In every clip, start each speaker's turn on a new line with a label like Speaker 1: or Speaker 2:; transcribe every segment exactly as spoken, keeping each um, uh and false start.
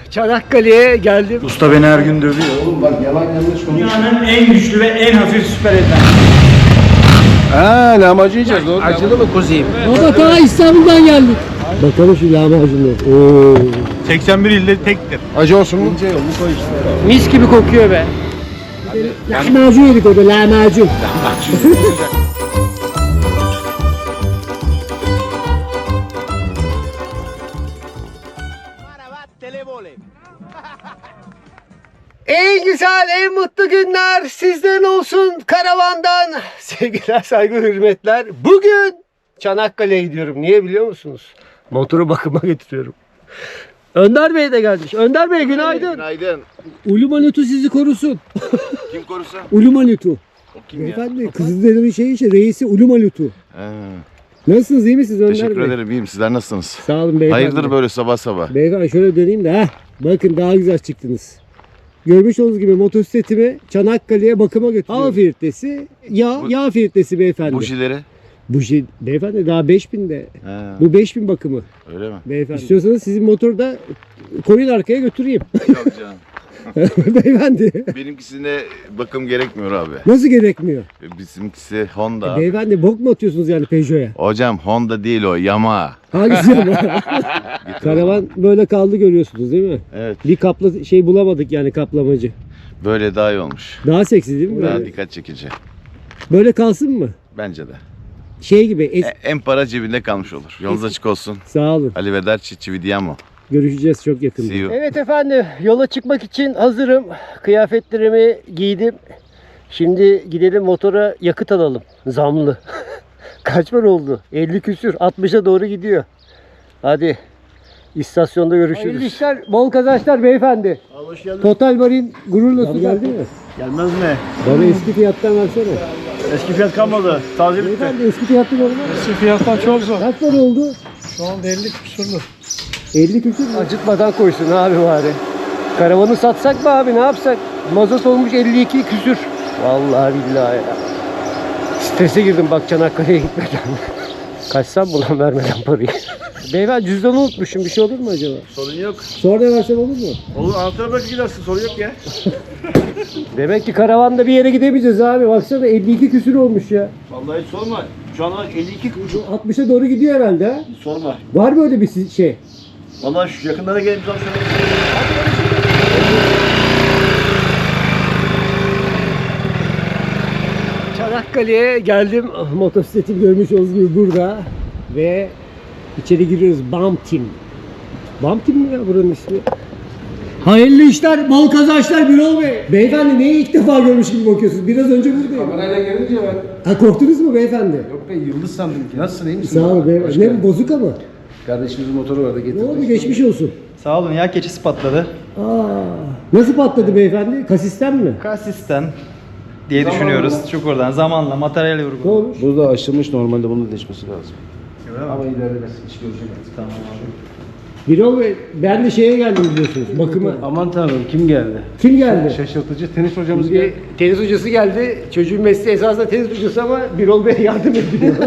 Speaker 1: Çanakkale'ye geldim.
Speaker 2: Usta beni her gün dövüyor.
Speaker 3: Oğlum bak yalan yanlış konuş.
Speaker 2: Dünyanın en güçlü ve en hafif süper eten.
Speaker 3: Ha lahmacun yiyeceğiz doğru. Acılı mı kuzeyim?
Speaker 1: Baba ta İstanbul'dan geldik. Bakalım şu lahmacunlar. Oo.
Speaker 2: seksen bir ilde tektir.
Speaker 3: Acı olsun mu? İnce yolunu koy işte.
Speaker 1: Mis gibi kokuyor be. Lahmacun yedik orada lahmacun. En güzel, en mutlu günler sizden olsun karavandan. Sevgiler, saygı, hürmetler. Bugün Çanakkale'ye gidiyorum. Niye biliyor musunuz? Motoru bakıma götürüyorum. Önder Bey de gelmiş. Önder Bey günaydın.
Speaker 3: Günaydın.
Speaker 1: Ulumanutu sizi korusun.
Speaker 3: Kim korusa?
Speaker 1: Ulumanutu.
Speaker 3: O kim ya?
Speaker 1: Efendim Kızılderili şey işte reisi Ulumanutu.
Speaker 3: Ha,
Speaker 1: Nasılsınız, iyi misiniz Önder
Speaker 3: teşekkür
Speaker 1: Bey?
Speaker 3: ederim. İyiyim. Sizler nasılsınız?
Speaker 1: Sağ olun beyefendi.
Speaker 3: Hayırdır böyle sabah sabah?
Speaker 1: Beyefendi şöyle döneyim de heh. Bakın daha güzel çıktınız. Görmüş olduğunuz gibi motosikletimi Çanakkale'ye bakıma götürüyorum. Hava filtresi, yağ,
Speaker 3: Bu-
Speaker 1: yağ filtresi beyefendi.
Speaker 3: Bujileri?
Speaker 1: Bu şey, beyefendi daha beş binde.
Speaker 3: Ha,
Speaker 1: Bu beş bin bakımı
Speaker 3: öyle mi?
Speaker 1: beyefendi. İstiyorsanız sizin motoru da koyun arkaya götüreyim.
Speaker 3: Yok canım.
Speaker 1: Beyefendi.
Speaker 3: Benimkisine bakım gerekmiyor abi.
Speaker 1: Nasıl gerekmiyor?
Speaker 3: Bizimkisi Honda.
Speaker 1: E, beyefendi bok mu atıyorsunuz yani Peugeot'a?
Speaker 3: Hocam Honda değil o, Yamaha.
Speaker 1: Hangisi ama? Karavan böyle kaldı görüyorsunuz değil mi?
Speaker 3: Evet.
Speaker 1: Bir kapla şey bulamadık yani kaplamacı.
Speaker 3: Böyle daha iyi olmuş.
Speaker 1: Daha seksi değil mi?
Speaker 3: Daha
Speaker 1: Böyle,
Speaker 3: dikkat çekici.
Speaker 1: böyle kalsın mı?
Speaker 3: Bence de.
Speaker 1: Şey gibi. Es-
Speaker 3: E, en para cebinde kalmış olur. Yolunuz açık olsun.
Speaker 1: Sağ olun.
Speaker 3: Arrivederci, ci vediamo.
Speaker 1: Görüşeceğiz çok yakında.
Speaker 3: See you.
Speaker 1: Evet efendim, yola çıkmak için hazırım. Kıyafetlerimi giydim. Şimdi gidelim motora yakıt alalım. Zamlı. Kaç para oldu? elli küsür. altmışa doğru gidiyor. Hadi istasyonda görüşürüz. Hayırlı işler, bol kazançlar beyefendi.
Speaker 2: Hoş geldin.
Speaker 1: Total Marine gururla su geldi mi?
Speaker 2: Gelmez mi?
Speaker 1: Bana eski fiyattan versene.
Speaker 2: Eski fiyat kalmadı. Taze bitti.
Speaker 1: Beyefendi eski fiyattan olmaz.
Speaker 2: Eski fiyattan çok zor.
Speaker 1: Kaç para oldu?
Speaker 2: Şu anda elli küsurlu.
Speaker 1: elli küsür mü? Acıtmadan koysun abi bari. Karavanı satsak mı abi, ne yapsak? Mazot olmuş elli iki küsür. Vallahi billahi ya. Strese girdim bak Çanakkale'ye gitmeden. Kaçsam mı lan vermeden parayı? Beyefendi cüzdanı unutmuşum, bir şey olur mu acaba?
Speaker 2: Sorun yok.
Speaker 1: Sonra versem olur mu?
Speaker 2: Olur, anahtarı bırakıp gidersin. Sorun yok ya.
Speaker 1: Demek ki karavanda bir yere gidemeyeceğiz abi. Baksana elli iki küsür olmuş ya.
Speaker 2: Vallahi hiç sorma. Şu anda elli iki kuruş.
Speaker 1: altmışa doğru gidiyor herhalde ha.
Speaker 2: Hiç sorma.
Speaker 1: Var mı öyle bir si- şey?
Speaker 2: Vallahi şu yakınlara gelip bir şöyle.
Speaker 1: Çanakkale'ye geldim. Motosikletim görmüş olduğunuz gibi burada. Ve içeri giriyoruz. Bump Team. Bump Team mi ya buranın ismi? Hayırlı işler, bol kazançlar Birol Bey. Beyefendi neyi ilk defa görmüş gibi bakıyorsunuz? Biraz önce buradayım.
Speaker 3: Kamerayla gelince ben...
Speaker 1: Ha, korktunuz mu beyefendi?
Speaker 3: Yok be yıldız sandım ki. Nasılsın iyi misin?
Speaker 1: Sağ olun beyefendi. Ne bu, bozuk ama?
Speaker 3: Kardeşimizin motoru vardı
Speaker 1: Ne
Speaker 3: getirdik.
Speaker 1: oldu, geçmiş olsun.
Speaker 4: Sağ olun, yağ keçisi patladı.
Speaker 1: Aa, nasıl patladı beyefendi? Kasisten mi?
Speaker 4: Kasisten diye düşünüyoruz. Çukurdan zamanla materyal
Speaker 1: Ne
Speaker 4: vurgu.
Speaker 1: olmuş?
Speaker 3: Burada aşılmış normalde bunun da değişmesi lazım. Ama ileride biz iş göreceğiz.
Speaker 4: Tamam.
Speaker 1: Birol Bey, ben de şeye geldim biliyorsunuz, bakıma.
Speaker 3: Aman tanrım kim geldi?
Speaker 1: Kim geldi?
Speaker 3: Şaşırtıcı tenis hocamız
Speaker 1: Bir
Speaker 3: geldi.
Speaker 1: tenis hocası geldi. Çocuğun mesleği esasında tenis hocası ama Birol Bey yardım ediyor.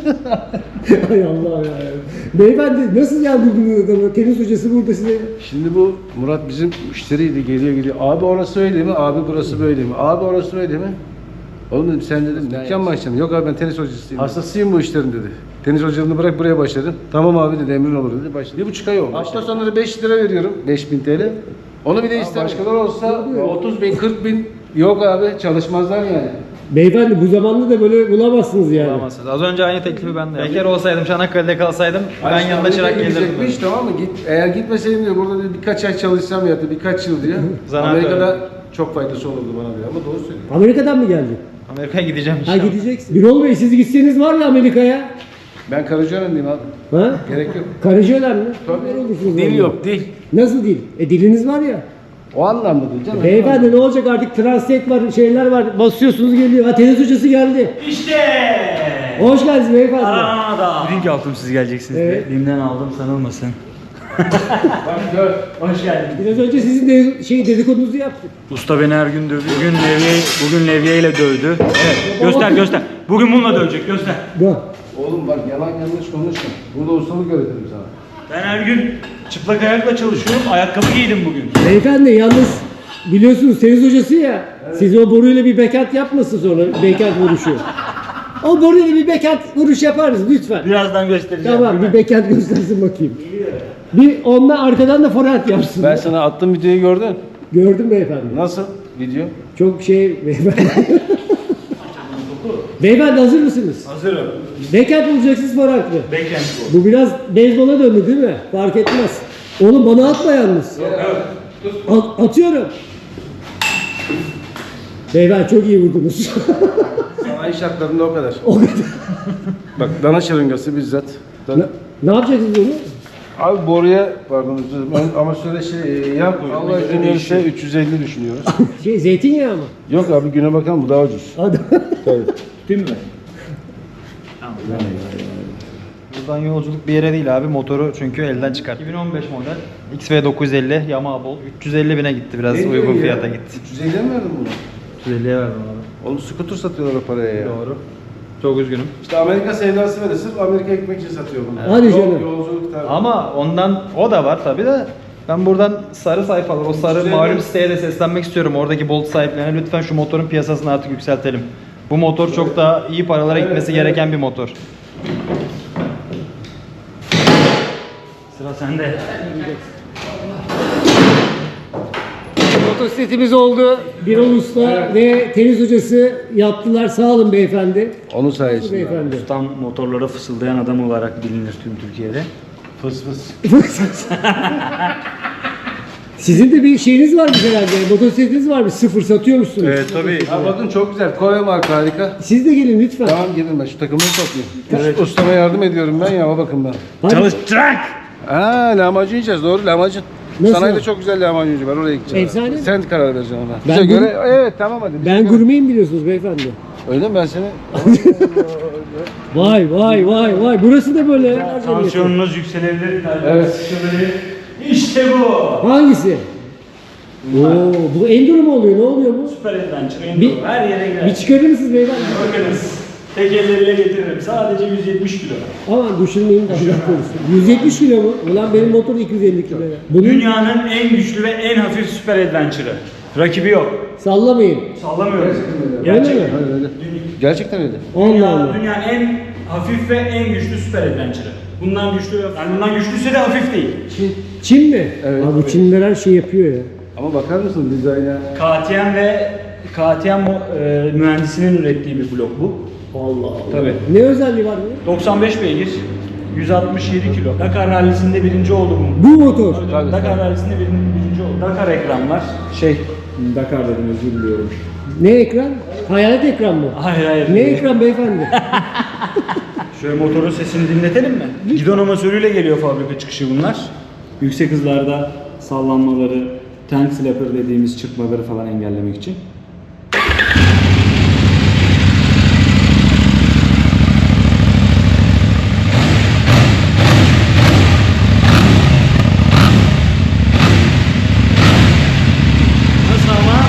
Speaker 1: Hay Allah ya. Beyefendi nasıl yardımcı adamı? Tenis hocası burada size.
Speaker 3: Şimdi bu Murat bizim müşteriydi geliyor geliyor. Abi orası öyle mi? Abi burası böyle mi? Abi orası öyle mi? Oğlum dedim sen dedim dükkan mı açacaksın? Yok abi ben tenis hocasıyım. Hastasıyım bu işlerin dedi. Tenis hocalığını bırak buraya başladım. Tamam abi dedi emrin olur dedi. Başladı. Bir buçuk ay oldu. Hafta sonları beş lira veriyorum. beş bin T L. Onu bir de ister. Başkaları olsa otuz bin kırk bin yok abi çalışmazlar yani.
Speaker 1: Beyefendi bu zamanda da böyle bulamazsınız yani.
Speaker 4: Bulamazsınız. Az önce aynı teklifi ben de yaptım. Bekar olsaydım, Çanakkale'de kalsaydım ben yanında çırak gelirdim.
Speaker 3: Gidecekmiş tamam mı? Git, eğer gitmeseydim diyor burada diyor, birkaç ay çalışsam ya da birkaç yıl diyor.
Speaker 4: Zanaat
Speaker 3: Amerika'da çok faydası olurdu bana diyor ama doğru söylüyor.
Speaker 1: Amerika'dan mı geldi?
Speaker 4: Amerika'ya gideceğim
Speaker 1: Ha
Speaker 4: inşallah.
Speaker 1: gideceksin. Birol Bey siz gitseniz var ya Amerika'ya.
Speaker 3: Ben Karacaören'deyim abi.
Speaker 1: Ha?
Speaker 3: Gerek yok.
Speaker 1: Karıcılar mı?
Speaker 3: Tabii.
Speaker 1: Neler olursunuz
Speaker 3: Dil
Speaker 1: orada?
Speaker 3: yok dil.
Speaker 1: Nasıl dil? E diliniz var ya.
Speaker 3: O anlamda değil canım.
Speaker 1: Beyefendi ne olacak artık, translate var, şeyler var, basıyorsunuz geliyor. Ha tenis hocası geldi.
Speaker 4: İşte!
Speaker 1: Hoş geldiniz beyefendi.
Speaker 4: Aranada. Link aldım siz geleceksiniz
Speaker 1: Evet.
Speaker 4: diye. Limden aldım sanılmasın.
Speaker 3: Bak gör.
Speaker 4: Hoş geldin.
Speaker 1: Biraz önce sizin de şey dedikodunuzu yaptık.
Speaker 2: Usta beni her gün dövüyor. Bugün levye, bugün levye ile dövdü. Evet. Göster göster. Bugün bununla dövecek göster.
Speaker 1: Bak.
Speaker 3: Oğlum bak yalan yanlış konuşma. Burada ustalık öğretirim sana.
Speaker 2: Ben her gün çıplak ayakla çalışıyorum. Ayakkabı giydim bugün.
Speaker 1: Beyefendi yalnız biliyorsunuz tenis hocası ya. Siz o boruyla bir backhand yapmasın sonra backhand vuruşu. O boruyla bir backhand vuruş yaparız lütfen.
Speaker 2: Birazdan göstereceğim.
Speaker 1: Tamam bir backhand göstersin bakayım. Bir onunla arkadan da forehand yapsın.
Speaker 3: Ben sana attığım videoyu gördün.
Speaker 1: Gördüm beyefendi.
Speaker 3: Nasıl video?
Speaker 1: Çok şey beyefendi. Beyefendi hazır mısınız?
Speaker 2: Hazırım.
Speaker 1: Backhand vuracaksınız forehand mı?
Speaker 2: Backhand bu.
Speaker 1: Bu biraz beyzbola döndü değil mi? Fark etmez. Oğlum bana atma yalnız. At- atıyorum. Beyefendi çok iyi vurdunuz.
Speaker 3: Sanayi şartlarında o kadar.
Speaker 1: O kadar.
Speaker 3: Bak dana şırıngası bizzat.
Speaker 1: Ne, ne yapacaksınız onu?
Speaker 3: Abi boruya pardon özür dilerim. Ben amatörde şey yan koyuyorum. Allah izin verirse üç yüz elli düşünüyoruz.
Speaker 1: Şey zeytinyağı mı?
Speaker 3: Yok abi güne bakalım bu daha ucuz.
Speaker 1: Hadi.
Speaker 3: Tabii.
Speaker 2: Değil mi?
Speaker 4: Buradan yolculuk bir yere değil abi. Motoru çünkü elden çıkart. iki bin on beş model X V dokuz yüz elli Yamaha Bolt. üç yüz elli bine gitti, biraz
Speaker 3: Ne
Speaker 4: uygun
Speaker 3: diyorsun ya?
Speaker 4: fiyata gitti.
Speaker 3: üç yüz elliye mi verdin bunu?
Speaker 4: üç yüz elliye verdim abi.
Speaker 3: Oğlum scooter satıyorlar o paraya ya.
Speaker 4: Doğru. Çok üzgünüm.
Speaker 3: İşte Amerika sevdası var. Sırf Amerika ekmek için satıyor bunu.
Speaker 1: Hadi
Speaker 3: Yol-
Speaker 1: canım.
Speaker 3: Yolculuk tabii.
Speaker 4: Ama ondan o da var tabi de ben buradan sarı sayfalar, o sarı
Speaker 3: Güzel.
Speaker 4: malum siteye de seslenmek istiyorum. Oradaki Bolt sahiplerine lütfen şu motorun piyasasını artık yükseltelim. Bu motor çok daha iyi paralara gitmesi
Speaker 3: evet.
Speaker 4: gereken bir motor.
Speaker 2: Sıra sende.
Speaker 1: Motosikletimiz oldu. Birol Usta ve tenis hocası yaptılar. Sağ olun beyefendi.
Speaker 3: Onun sayesinde.
Speaker 1: Beyefendi.
Speaker 2: Tam motorlara fısıldayan adam olarak bilinir tüm Türkiye'de.
Speaker 3: Fıs fıs.
Speaker 1: Sizin de bir şeyiniz varmış herhalde. Motosikletiniz varmış. Sıfır satıyormuşsunuz.
Speaker 2: Evet tabii.
Speaker 3: Ha bakın çok güzel. Konya marka harika.
Speaker 1: Siz de gelin lütfen.
Speaker 3: Tamam gelin ben şu takımları toplayayım. Evet. Ustama yardım ediyorum ben ya o bakımdan.
Speaker 1: Hadi.
Speaker 2: Çalıştırak.
Speaker 3: Aa lahmacun yiyeceğiz doğru lahmacun.
Speaker 1: Nasıl?
Speaker 3: Sanayide çok güzel lahmacuncu var oraya gideceğiz.
Speaker 1: Efsane mi?
Speaker 3: Sen karar vereceksin ona.
Speaker 1: Ben
Speaker 3: Bize
Speaker 1: gur-
Speaker 3: göre evet tamam hadi. Bize
Speaker 1: Ben
Speaker 3: göre-
Speaker 1: gurmeyim biliyorsunuz beyefendi.
Speaker 3: Öyle mi ben seni?
Speaker 1: Vay vay vay vay. Burası da böyle. ya.
Speaker 2: Tansiyonunuz yükselebilir.
Speaker 3: Evet.
Speaker 2: İşte bu.
Speaker 1: Hangisi? Oo, bu enduro mu oluyor? Ne oluyor bu?
Speaker 2: Süper adventure.
Speaker 1: Bir-
Speaker 2: Enduro. Her yere girer.
Speaker 1: Bir çıkarır mısınız beyefendi?
Speaker 2: Bakınız. Tek elleriyle getiririm. Sadece yüz yetmiş kilo.
Speaker 1: Aman düşünmeyin de Allah korusun. yüz yetmiş kilo mu? Ulan benim motor iki yüz elli kilo ya. Bunun
Speaker 2: Dünyanın en güçlü ve en hafif süper adventure'ı. Rakibi yok.
Speaker 1: sallamayın.
Speaker 2: Sallamıyorum.
Speaker 1: Öyle mi?
Speaker 3: Hayır öyle. Gerçekten öyle.
Speaker 1: Allah
Speaker 2: Dünya,
Speaker 1: Allah.
Speaker 2: dünyanın en hafif ve en güçlü süper adventure'ı. Bundan güçlü yok. Yani bundan güçlüyse de hafif değil.
Speaker 1: Çin mi?
Speaker 3: Evet.
Speaker 1: Abi bu Çinliler her şeyi yapıyor ya.
Speaker 3: Ama bakar mısın dizayna?
Speaker 2: K T M ve K T M e, mühendisinin ürettiği bir blok bu.
Speaker 1: Allah Allah.
Speaker 2: Tabii.
Speaker 1: Ne özelliği var bunun?
Speaker 2: doksan beş beygir, yüz altmış yedi kilo. Dakar rallisinde birinci oldu bu.
Speaker 1: Bu motor.
Speaker 3: Tabii,
Speaker 2: Dakar
Speaker 3: tabii.
Speaker 2: rallisinde birinci, birinci oldu. Dakar ekran var. Şey, Dakar dedim özür diliyorum.
Speaker 1: Ne ekran? Hayalet ekran mı?
Speaker 2: Hayır hayır.
Speaker 1: Ne ekran beyefendi?
Speaker 2: Şöyle motorun sesini dinletelim mi? Gidon amasörüyle geliyor fabrika çıkışı bunlar. Yüksek hızlarda sallanmaları, tank flapper dediğimiz çırpmaları falan engellemek için. Nasıl ama?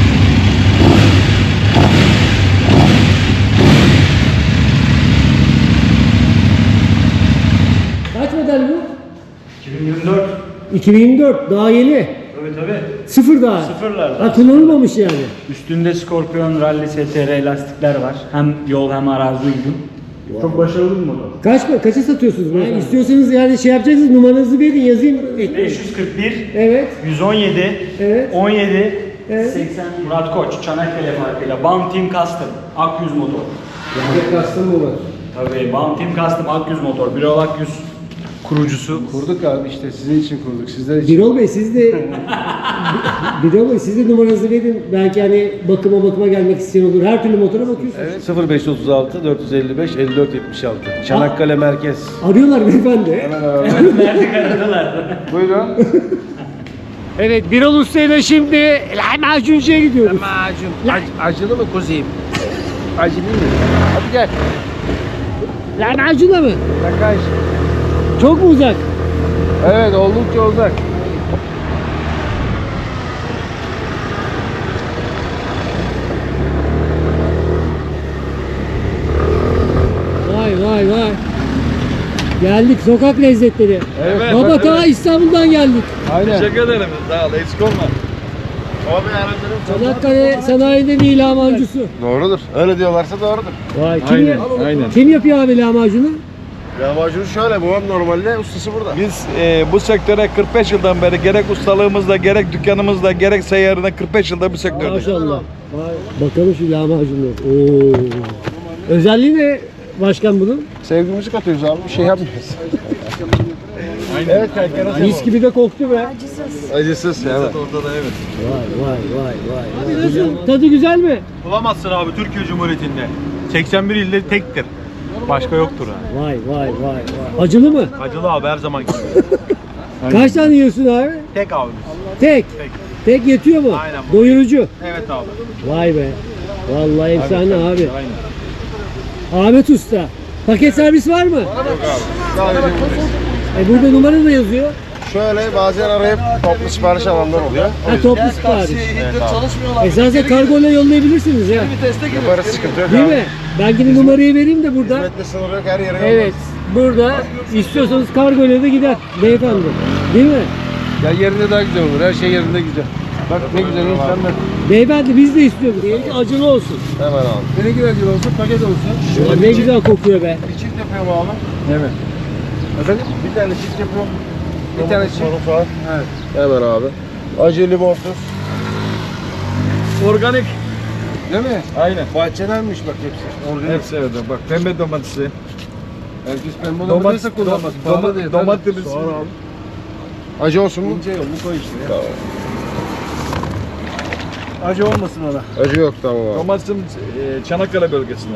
Speaker 1: Kaç model bu?
Speaker 2: iki bin yirmi dört.
Speaker 1: iki bin yirmi dört. Daha yeni.
Speaker 2: Tabii tabii.
Speaker 1: Sıfır daha.
Speaker 2: Sıfırlarda.
Speaker 1: Ha kullanılmamış yani.
Speaker 2: Üstünde Scorpion Rally S T R lastikler var. Hem yol hem arazi uygun. Çok başarılı bir motor.
Speaker 1: Kaç kaça satıyorsunuz bunu? İstiyorsanız yani şey yapacaksınız numaranızı verin yazayım. ekleyin.
Speaker 2: beş yüz kırk bir,
Speaker 1: Evet.
Speaker 2: yüz on yedi,
Speaker 1: Evet.
Speaker 2: on yedi,
Speaker 1: Evet.
Speaker 2: seksen Murat Koç, Çanakkale farkıyla Bam Team Custom, Akyüz motor.
Speaker 3: Yani kastım mı var?
Speaker 2: Tabii Bam Team Custom Akyüz motor. Birol Akyüz kurucusu.
Speaker 3: Kurduk abi işte sizin için kurduk. Sizler için.
Speaker 1: Birol Bey siz de Birol Bey siz de numaranızı verin. Belki hani bakıma bakıma gelmek isteyen olur. Her türlü motora bakıyorsunuz.
Speaker 3: Evet sıfır beş otuz altı dört yüz elli beş elli dört yetmiş altı. Çanakkale merkez.
Speaker 1: Arıyorlar beyefendi.
Speaker 3: Hemen alalım.
Speaker 2: Verdik aradılar.
Speaker 3: Buyurun.
Speaker 1: Evet Birol Usta ile şimdi lahmacuncuya gidiyoruz.
Speaker 3: Macun. Ac- acılı mı kuzeyim? Acılı mı? Hadi gel.
Speaker 1: Lahmacunla mı?
Speaker 3: Yakaj.
Speaker 1: Çok mu uzak?
Speaker 3: Evet oldukça uzak.
Speaker 1: Vay vay vay. Geldik sokak lezzetleri.
Speaker 3: Evet,
Speaker 1: Baba
Speaker 3: evet,
Speaker 1: ta
Speaker 3: evet.
Speaker 1: İstanbul'dan geldik.
Speaker 3: Aynen.
Speaker 5: Teşekkür ederim. Sağ ol. Eksik olma.
Speaker 1: Çanakkale sanayinde bir lahmacuncusu.
Speaker 6: Doğrudur. Öyle diyorlarsa doğrudur.
Speaker 1: Vay kim,
Speaker 5: Aynen,
Speaker 1: ya-
Speaker 5: aynen.
Speaker 1: kim yapıyor abi lahmacunu?
Speaker 6: Lahmacun şöyle, babam normalde ustası burada.
Speaker 5: Biz e, bu sektöre kırk beş yıldan beri gerek ustalığımızda, gerek dükkanımızda, gerek seyyarında kırk beş yılda bu sektördeyiz.
Speaker 1: Maşallah. Vay. Bakalım şu lahmacunu. Oo. Özelliği ne başkan bunun?
Speaker 6: Sevgimizi katıyoruz abi, bir şey yapmıyoruz. Evet kanka.
Speaker 1: Mis gibi de koktu be.
Speaker 6: Acısız. Evet.
Speaker 5: Ortada evet.
Speaker 1: Vay vay vay vay. Abi nasıl? Tadı güzel mi?
Speaker 7: Bulamazsın abi Türkiye Cumhuriyeti'nde. seksen bir ilde tektir. Başka yoktur ha.
Speaker 1: Vay vay vay vay. Acılı mı?
Speaker 7: Acılı abi her zaman gibi.
Speaker 1: Kaç tane yiyorsun abi?
Speaker 7: Tek abi.
Speaker 1: Tek.
Speaker 7: Tek.
Speaker 1: Tek yetiyor mu?
Speaker 7: Aynen bu.
Speaker 1: Doyurucu.
Speaker 7: Evet abi.
Speaker 1: Vay be. Vallahi efsane abi.
Speaker 7: Aynen.
Speaker 1: Ahmet Usta. Paket servis var mı?
Speaker 6: Sadece buradayız.
Speaker 1: E burada numara da yazıyor.
Speaker 6: Şöyle bazen arayıp toplu sipariş alanlar oluyor.
Speaker 1: Ha toplu sipariş.
Speaker 6: Evet abi.
Speaker 1: Esasen kargoyla yollayabilirsiniz ya.
Speaker 6: Yaparız, sıkıntı yok
Speaker 1: Değil
Speaker 6: abi.
Speaker 1: mi? Ben yine numarayı vereyim de burada.
Speaker 6: Hizmetle sınırı yok, her yere yollarız.
Speaker 1: Evet. Burada istiyorsanız kargoyla da gider beyefendi. Değil mi?
Speaker 3: Ya yerinde daha güzel olur. Her şey yerinde güzel. Bak ne güzel insanlar.
Speaker 1: Beyefendi biz de istiyoruz. Diyelim ki acılı olsun.
Speaker 6: Hemen abi.
Speaker 3: Ne güzel güzel olsun, paket olsun.
Speaker 1: Ya ne güzel kokuyor be.
Speaker 6: Bir çift yapıyorum abi.
Speaker 3: Evet. Efendim?
Speaker 6: Bir tane çift yapıyorum.
Speaker 3: Bir tane çift.
Speaker 6: Sorun var.
Speaker 3: Evet.
Speaker 6: Hemen abi. Acı limonsuz.
Speaker 5: Organik.
Speaker 3: Değil mi?
Speaker 5: Aynen.
Speaker 3: Bahçedenmiş bak hepsi. Organik.
Speaker 5: Hepsi evet. Bak pembe domatesi.
Speaker 3: Herkes pembe
Speaker 5: Domat,
Speaker 3: domatesi kullanmaz. Pahalı değil.
Speaker 5: domatesimiz.
Speaker 6: Acı olsun mu?
Speaker 3: İnce yol, bu koy işte ya. Acı olmasın ona.
Speaker 6: Acı yok, tamam abi.
Speaker 5: Domatesimiz e, Çanakkale bölgesinde.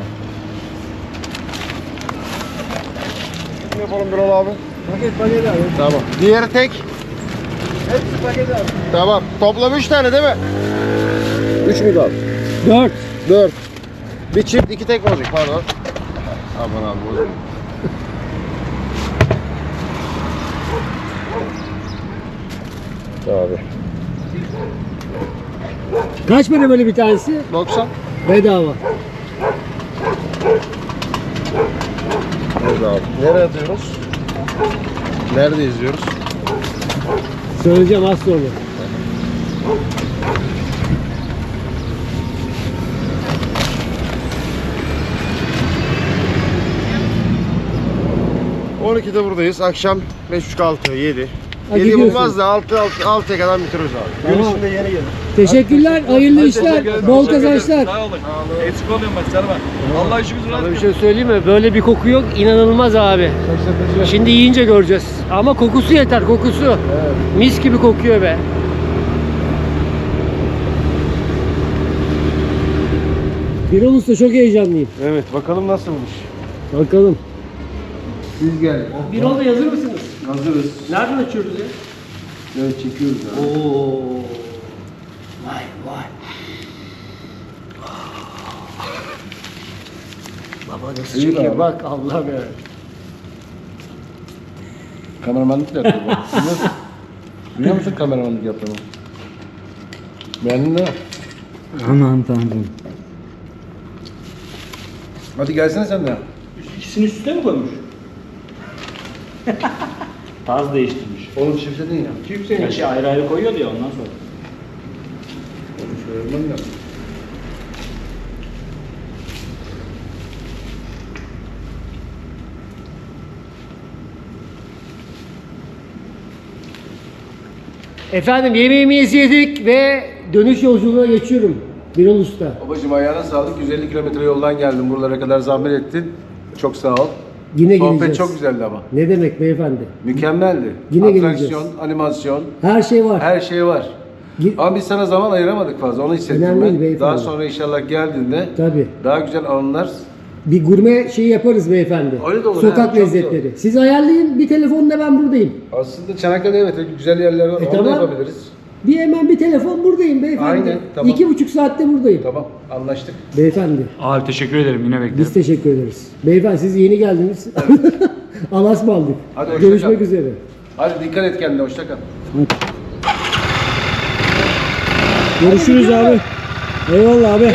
Speaker 6: Ne yapalım Birol abi?
Speaker 3: Paket paket abi.
Speaker 6: Tamam. Diğeri tek.
Speaker 3: Hepsi paket abi.
Speaker 6: Tamam. Toplam üç tane değil mi? Üç mü abi?
Speaker 1: Dört.
Speaker 6: Dört. Bir çift, iki tek olacak, pardon. Aman abi, bozuldu. Abi.
Speaker 1: Kaç para böyle bir tanesi?
Speaker 6: doksan.
Speaker 1: Bedava.
Speaker 6: Nerede abi? Nereye atıyoruz? Nerede izliyoruz?
Speaker 1: Söyleyeceğim az sonra.
Speaker 6: on ikide buradayız. Akşam beş buçuk altı, yedi.
Speaker 1: Ha,
Speaker 6: yedi
Speaker 1: gidiyorsun.
Speaker 6: bulmaz da altı, altı, altıya kadar bitiriyoruz abi. Gün
Speaker 1: Tamam.
Speaker 6: içinde yeni gelir.
Speaker 1: Teşekkürler, hayırlı işler,
Speaker 5: Teşekkür ederim,
Speaker 1: bol
Speaker 5: teşekkür ederim.
Speaker 1: kazançlar.
Speaker 5: Sağ olun. Eksik olmayın bak canım. Allah işimizi rast
Speaker 1: Sana bir şey söyleyeyim mi? Böyle bir koku yok, inanılmaz abi. Şimdi yiyince göreceğiz. Ama kokusu yeter, kokusu. Mis gibi kokuyor be. Birol Usta çok heyecanlıyım.
Speaker 3: Evet bakalım nasılmış.
Speaker 1: Bakalım.
Speaker 3: Biz geldik.
Speaker 1: Birol Bey hazır mısınız?
Speaker 3: Hazırız.
Speaker 1: Nereden açıyoruz ya?
Speaker 3: Evet çekiyoruz abi.
Speaker 1: Oo. Vay vay. Baba nasıl
Speaker 3: İyi
Speaker 1: çekiyor
Speaker 3: be
Speaker 1: bak Allah'ım ya.
Speaker 3: Kameramanlık da yapıyor. bak. Biliyor musun? Biliyor musun kameramanlık yaptığımı? Beğendin değil mi?
Speaker 2: Aman tanrım.
Speaker 3: Hadi gelsene sen de.
Speaker 2: İkisini üst üste mi koymuş? Tarz değiştirmiş.
Speaker 3: Oğlum çiftledin ya. Çift senin.
Speaker 2: Gerçi ayrı ayrı koyuyordu ya ondan sonra.
Speaker 3: Şöyle yapmam lazım.
Speaker 1: Efendim yemeğimizi yedik ve dönüş yolculuğuna geçiyorum. Birol Usta.
Speaker 3: Babacım ayağına sağlık. yüz elli kilometre yoldan geldin. Buralara kadar zahmet ettin. Çok sağ ol.
Speaker 1: Yine
Speaker 3: Sohbet
Speaker 1: geleceğiz.
Speaker 3: çok güzeldi ama.
Speaker 1: Ne demek beyefendi?
Speaker 3: Mükemmeldi.
Speaker 1: Yine
Speaker 3: Atraksiyon,
Speaker 1: geleceğiz.
Speaker 3: animasyon,
Speaker 1: Her şey var.
Speaker 3: her şey var.
Speaker 1: Gi-
Speaker 3: Ama biz sana zaman ayıramadık fazla. Onu hissettim
Speaker 1: Önemli değil
Speaker 3: ben.
Speaker 1: beyefendi.
Speaker 3: Daha sonra inşallah geldiğinde
Speaker 1: Tabii.
Speaker 3: daha güzel anılar.
Speaker 1: Bir gurme şeyi yaparız beyefendi.
Speaker 3: Öyle de olur,
Speaker 1: Sokak
Speaker 3: ha, çok
Speaker 1: lezzetleri. Siz ayarlayın bir telefonla ben buradayım.
Speaker 3: Aslında Çanakkale evet güzel yerler var.
Speaker 1: E,
Speaker 3: Onu da
Speaker 1: tamam.
Speaker 3: yapabiliriz.
Speaker 1: Bir hemen bir telefon buradayım beyefendi.
Speaker 3: Aynen, tamam.
Speaker 1: İki buçuk saatte buradayım.
Speaker 3: Tamam anlaştık.
Speaker 1: Beyefendi
Speaker 2: Abi teşekkür ederim yine beklerim.
Speaker 1: biz teşekkür ederiz. Beyefendi siz yeni geldiniz. Alas mı aldık?
Speaker 3: Hadi hoşça
Speaker 1: Görüşmek
Speaker 3: kal.
Speaker 1: üzere.
Speaker 3: Hadi dikkat et kendine hoşça kal.
Speaker 1: Görüşürüz abi. Eyvallah abi.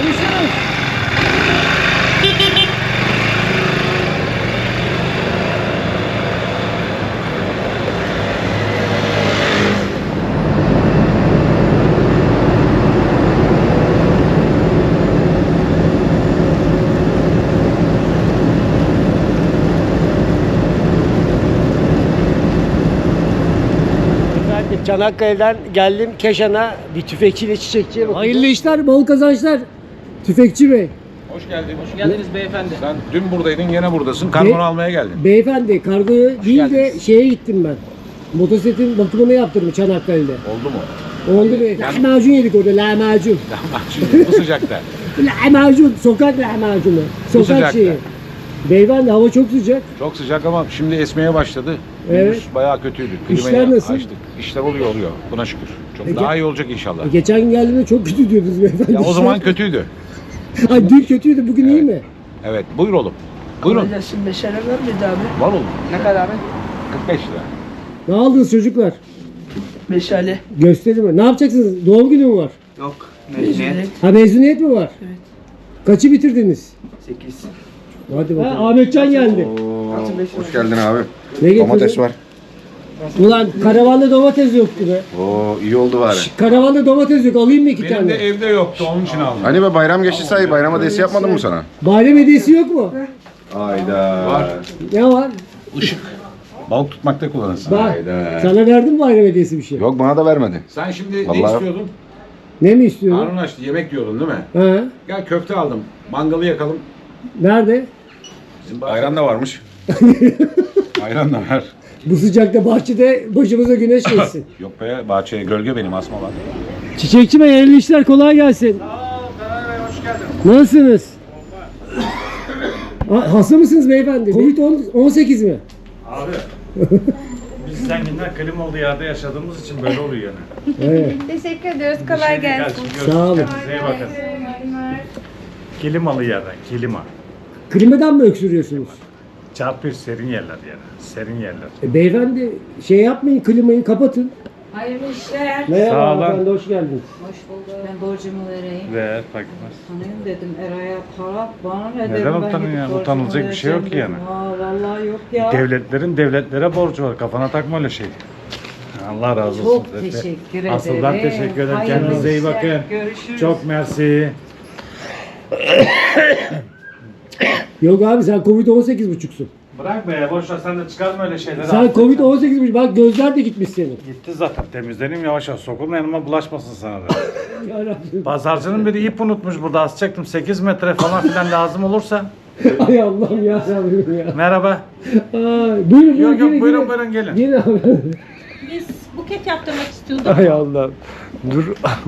Speaker 1: Çanakkale'den geldim Keşan'a bir tüfekçiyle çiçekçiye bakacağım. Hayırlı işler, bol kazançlar. Tüfekçi Bey.
Speaker 3: Hoş geldin. Hoş geldiniz beyefendi. Sen dün buradaydın, yine buradasın.
Speaker 1: Be-
Speaker 3: Kargonu almaya geldin.
Speaker 1: Beyefendi kargoya değil de
Speaker 3: geldiniz.
Speaker 1: şeye gittim ben. Motosikletin bakımını yaptırdım Çanakkale'de.
Speaker 3: Oldu mu?
Speaker 1: Oldu be. Lahmacun yedik orada, lahmacun.
Speaker 3: Şimdi bu sıcakta.
Speaker 1: Lahmacun, sokak lahmacunu. Sokak
Speaker 3: sıcakta.
Speaker 1: şeyi. Beyefendi hava çok sıcak.
Speaker 3: Çok sıcak ama şimdi esmeye başladı.
Speaker 1: Evet.
Speaker 3: Gündüz bayağı kötüydü.
Speaker 1: İşler
Speaker 3: Klimayı
Speaker 1: nasıl?
Speaker 3: açtık. İşler oluyor oluyor. Buna şükür. Çok
Speaker 1: Peki.
Speaker 3: daha iyi olacak inşallah.
Speaker 1: E, geçen gün geldiğimde çok kötü diyordunuz beyefendi.
Speaker 3: Ya o zaman kötüydü.
Speaker 1: Ay dün kötüydü, bugün iyi mi?
Speaker 3: Evet. Buyur oğlum. Buyurun.
Speaker 8: Şimdi beşere ver miydi abi?
Speaker 3: Var oğlum.
Speaker 8: Ne kadar abi?
Speaker 3: kırk beş lira.
Speaker 1: Ne aldınız çocuklar?
Speaker 8: Meşale.
Speaker 1: Göstereyim mi? Ne yapacaksınız? Doğum günü mü var?
Speaker 8: Yok. Mezuniyet.
Speaker 1: Ha mezuniyet mi var?
Speaker 8: Evet.
Speaker 1: Kaçı bitirdiniz?
Speaker 8: sekiz.
Speaker 1: Hadi bakalım. Ha, Ahmetcan geldi.
Speaker 6: Hoş geldin abi.
Speaker 1: Ne getirdin?
Speaker 6: Domates var.
Speaker 1: Ulan karavanda domates yoktu be.
Speaker 6: Oo iyi oldu bari.
Speaker 1: Karavanda domates yok, alayım mı iki
Speaker 3: Benim
Speaker 1: tane?
Speaker 3: de evde yoktu, onun için aldım.
Speaker 6: Hani be bayram geçti say, bayram hediyesi yapmadın mı sana?
Speaker 1: Bayram hediyesi yok mu?
Speaker 6: Hayda.
Speaker 3: Var.
Speaker 1: Ne var?
Speaker 3: Işık. Balık tutmakta kullanırsın.
Speaker 1: Bak,
Speaker 6: Hayda.
Speaker 1: sana verdim mi bayram hediyesi bir şey?
Speaker 6: Yok bana da vermedi.
Speaker 3: Sen şimdi ne
Speaker 6: Vallahi-
Speaker 3: istiyordun?
Speaker 1: Ne mi istiyorsun?
Speaker 3: Karnın açtı, yemek diyordun değil mi?
Speaker 1: Ha?
Speaker 3: Gel köfte aldım. Mangalı yakalım.
Speaker 1: Nerede?
Speaker 3: Bizim
Speaker 6: Ayran da varmış. Ayran da var.
Speaker 1: Bu sıcakta bahçede başımıza güneş geçsin.
Speaker 3: Yok be, bahçeye gölge benim, asma var.
Speaker 1: Çiçekçi Bey, hayırlı işler, kolay gelsin.
Speaker 3: Sağ ol, Karar Bey, hoş geldin.
Speaker 1: Nasılsınız? Ha, hasta mısınız beyefendi? Covid on sekiz mi?
Speaker 7: Abi biz zenginler klima olduğu yerde yaşadığımız için böyle oluyor yani.
Speaker 1: Evet.
Speaker 9: Teşekkür ediyoruz. Kolay gelsin.
Speaker 1: Sağ olun.
Speaker 7: Size iyi bakın. Klimalı yerden, klima.
Speaker 1: Klimadan mı öksürüyorsunuz?
Speaker 7: Çarpıyor serin yerler yani. Serin yerler.
Speaker 1: E, beyefendi şey yapmayın, klimayı kapatın.
Speaker 9: Hayırlı işler.
Speaker 1: Merhaba
Speaker 7: Sağ olun.
Speaker 1: hanımefendi, hoş geldiniz.
Speaker 9: Hoş bulduk. Ben borcumu vereyim.
Speaker 7: Ve bakmaz.
Speaker 9: Tanıyım dedim Eray'a para bana ne
Speaker 7: Neden
Speaker 9: dedim ben
Speaker 7: utanıyorsun
Speaker 9: gidip
Speaker 7: yani?
Speaker 9: borcumu
Speaker 7: Utanılacak bir şey yok
Speaker 9: vereceğim
Speaker 7: ki
Speaker 9: dedim. Ha vallahi yok ya.
Speaker 7: Devletlerin devletlere borcu var. Kafana takma öyle şey. Allah razı olsun.
Speaker 9: Çok
Speaker 7: Zaten.
Speaker 9: teşekkür ederim.
Speaker 7: Asıl ben teşekkür ederim.
Speaker 9: Hayırlı
Speaker 7: Kendinize iyi
Speaker 9: işler.
Speaker 7: bakın.
Speaker 9: Görüşürüz.
Speaker 7: Çok mersi.
Speaker 1: Yok abi, sen Covid on sekiz buçuksun.
Speaker 7: Bırak be, boş ver, sen de çıkarma öyle şeyleri.
Speaker 1: Sen Covid on sekiz buçuk, bak gözler de gitmiş senin.
Speaker 7: Gitti zaten, temizleneyim yavaş yavaş. Sokulma yanıma, bulaşmasın sana da.
Speaker 1: Yarabbim.
Speaker 7: Pazarcının biri ip unutmuş burada, asacaktım. sekiz metre falan filan lazım olursa.
Speaker 1: Ay Allah'ım ya Rabbim ya.
Speaker 7: Merhaba.
Speaker 1: Ay, buyurun buyurun.
Speaker 7: Yok yok,
Speaker 1: gelin,
Speaker 7: buyurun
Speaker 1: gelin.
Speaker 7: buyurun gelin.
Speaker 1: Gelin abi.
Speaker 9: Biz buket yaptırmak istiyorduk.
Speaker 1: Ay Allah'ım. Dur.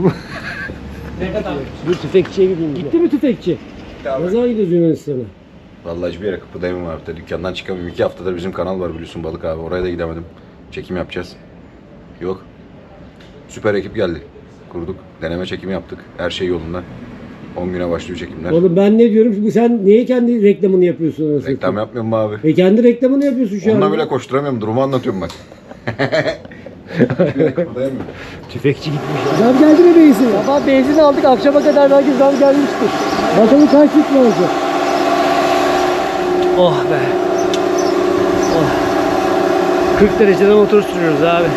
Speaker 1: Dur tüfekçiye gideyim. Gitti mi tüfekçi? Ne zaman gidiyoruz Yunanistan'a?
Speaker 6: Vallahi hiçbir yere kıpırdayamam abi. De dükkandan çıkamıyorum. İki haftadır bizim kanal var biliyorsun Balık abi. Oraya da gidemedim. Çekim yapacağız. Yok. Süper ekip geldi. Kurduk. Deneme çekimi yaptık. Her şey yolunda. on güne başlıyor çekimler.
Speaker 1: Oğlum ben ne diyorum? Bu sen niye kendi reklamını yapıyorsun anasını?
Speaker 6: Reklam yapmıyorum mu abi?
Speaker 1: E kendi reklamını yapıyorsun şu an.
Speaker 6: Onunla bile koşturamıyorum. Durumu anlatıyorum bak. Hiçbir yere kıpırdayamıyorum.
Speaker 1: Tüfekçi gitmiş. Zam geldi mi benzin? Sabah benzin aldık, akşama kadar belki zam gelmiştir. Bakalım kaç litre olacak? Oh be. Oh. kırk derecede motor sürüyoruz abi.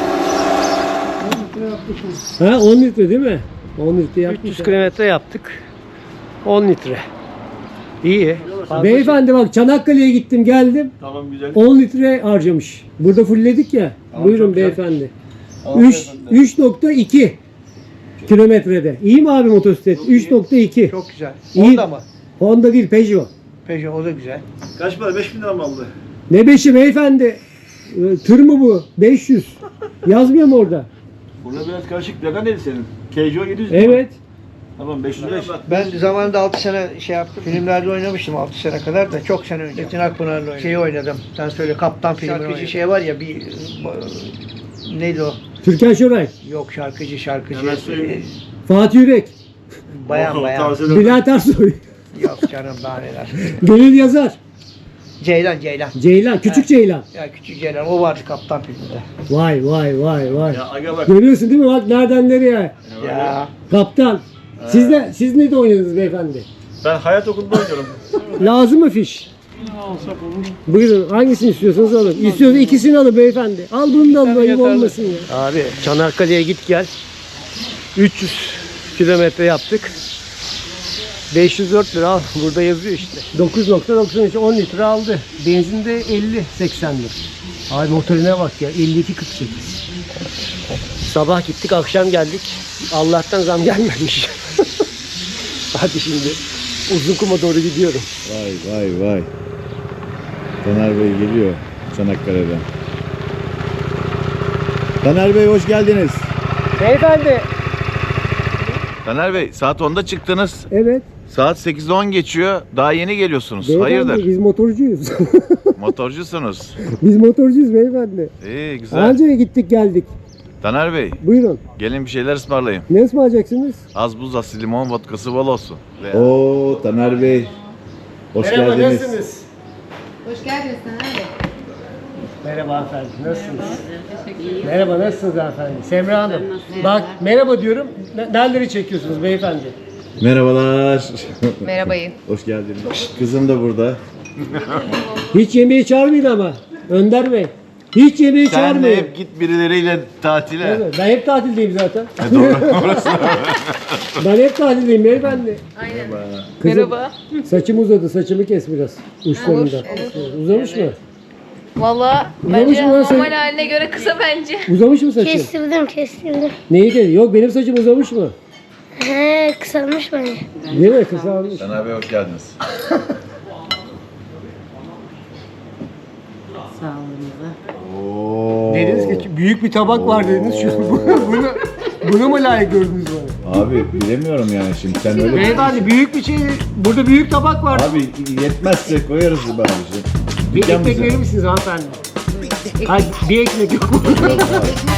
Speaker 1: Ha on litre değil mi? on litre yaptık. üç yüz kilometre yaptık. on litre. İyi. Beyefendi bak, Çanakkale'ye gittim geldim.
Speaker 7: Tamam, güzel.
Speaker 1: on litre harcamış. Burada fullledik ya. Buyurun beyefendi. üç nokta iki kilometrede. İyi mi abi motosiklet? üç nokta iki.
Speaker 8: Çok güzel.
Speaker 1: İyi.
Speaker 8: Honda mı?
Speaker 1: Honda değil, Peugeot.
Speaker 8: Peugeot o da güzel.
Speaker 7: Kaç para? beş bin lira mı aldı?
Speaker 1: Ne beşi beyefendi? Ee, Tır mı bu? beş yüz. Yazmıyor mu orada?
Speaker 7: Burada biraz karışık. Plaka neydi senin? K J O yedi yüz.
Speaker 1: Evet.
Speaker 7: Tamam, beş yüz beş.
Speaker 8: Ben zamanında altı sene şey yaptım. Filmlerde oynamıştım altı sene kadar da çok sene önce. Metin Akpınar'la oynadım. Şeyi oynadım. Sen söyle, Kaptan filmi oynadım. Şey var ya bir neydi o?
Speaker 1: Türkan Şoray.
Speaker 8: Yok, şarkıcı şarkıcı.
Speaker 7: Hemen söyleyeyim.
Speaker 1: Fatih Yürek.
Speaker 8: Bayan bayan.
Speaker 1: Bülent Ersoy.
Speaker 8: Yok canım, daha neler.
Speaker 1: Gönül Yazar.
Speaker 8: Ceylan Ceylan.
Speaker 1: Ceylan. Küçük Ceylan.
Speaker 8: Ya küçük Ceylan o vardı Kaptan filminde.
Speaker 1: Vay vay vay vay.
Speaker 7: Ya aga bak.
Speaker 1: Görüyorsun değil mi? Bak nereden nereye.
Speaker 8: Ya.
Speaker 1: Kaptan. Siz de siz ne de oynadınız beyefendi?
Speaker 7: Ben hayat okulunda oynuyorum.
Speaker 1: Lazım mı fiş? Buyurun, hangisini istiyorsanız alın. İstiyorsanız ikisini alın beyefendi. Al bunu da alın, ayıp olmasın ya. Abi Çanakkale'ye git gel. üç yüz kilometre yaptık. beş yüz dört lira al. Burada yazıyor işte. dokuz nokta doksan üç on litre aldı. Benzin de elli seksen lira. Abi motorine bak ya. elli iki kırk sekiz. Sabah gittik, akşam geldik. Allah'tan zam gelmemiş. Hadi şimdi Uzunkum'a doğru gidiyorum.
Speaker 10: Vay vay vay. Taner Bey geliyor Çanakkale'den. Taner Bey hoş geldiniz.
Speaker 1: Beyefendi.
Speaker 10: Taner Bey saat onda çıktınız.
Speaker 1: Evet.
Speaker 10: Saat sekizde on geçiyor. Daha yeni geliyorsunuz.
Speaker 1: Beyefendi,
Speaker 10: Hayırdır?
Speaker 1: biz motorcuyuz.
Speaker 10: Motorcusunuz.
Speaker 1: Biz motorcuyuz beyefendi.
Speaker 10: İyi güzel.
Speaker 1: Anca gittik geldik.
Speaker 10: Taner Bey
Speaker 1: Buyurun.
Speaker 10: gelin bir şeyler ısmarlayayım.
Speaker 1: Ne ısmarlayacaksınız?
Speaker 10: Az buz, asil limon, vodkası bol olsun. Veya-
Speaker 3: Oo Taner Bey. Hoş
Speaker 1: Merhaba,
Speaker 3: geldiniz.
Speaker 1: nasılsınız?
Speaker 11: Hoş geldiniz Taner Bey.
Speaker 1: Merhaba efendim, nasılsınız? Merhaba, nasılsınız efendim? Semra Hanım. Bak, merhaba diyorum. Ne- Nereleri çekiyorsunuz beyefendi?
Speaker 3: Merhabalar.
Speaker 11: Merhabayı.
Speaker 3: Hoş geldiniz. Kızım da burada.
Speaker 1: Hiç yemeğe çağırmayın ama. Önder Bey. Hiç yemeğe
Speaker 10: Sen de
Speaker 1: çağırmayın.
Speaker 10: hep git birileriyle tatile.
Speaker 1: Evet, ben hep tatildeyim zaten.
Speaker 10: Doğru. Orası.
Speaker 1: Ben hep tatildeyim beyefendi.
Speaker 11: Aynen.
Speaker 1: Kızım,
Speaker 11: Merhaba.
Speaker 1: saçım uzadı, saçımı kes biraz. Uçlarından. Uzamış mı?
Speaker 11: Valla
Speaker 1: Uzamış
Speaker 11: bence
Speaker 1: mı lan sen?
Speaker 11: normal haline göre kısa bence.
Speaker 1: Uzamış mı saçın?
Speaker 12: Kestirdim kestirdim.
Speaker 1: Neyi kes? Yok, benim saçım uzamış mı?
Speaker 12: He kısalmış bence.
Speaker 1: Değil mi? Kısalmış.
Speaker 10: Taner Bey hoş geldiniz. Oo.
Speaker 1: Dediniz ki büyük bir tabak var dediniz. Şu, bunu, bunu, bunu mu layık gördünüz bana?
Speaker 10: Abi bilemiyorum yani şimdi sen öyle...
Speaker 1: Beyefendi büyük bir şey, burada büyük tabak var.
Speaker 10: Abi yetmezse koyarız be abiciğim.
Speaker 1: Bir
Speaker 10: Dükkan
Speaker 1: ekmek
Speaker 10: bize.
Speaker 1: verir misiniz hanımefendi? Hayır, bir ekmek yok mu?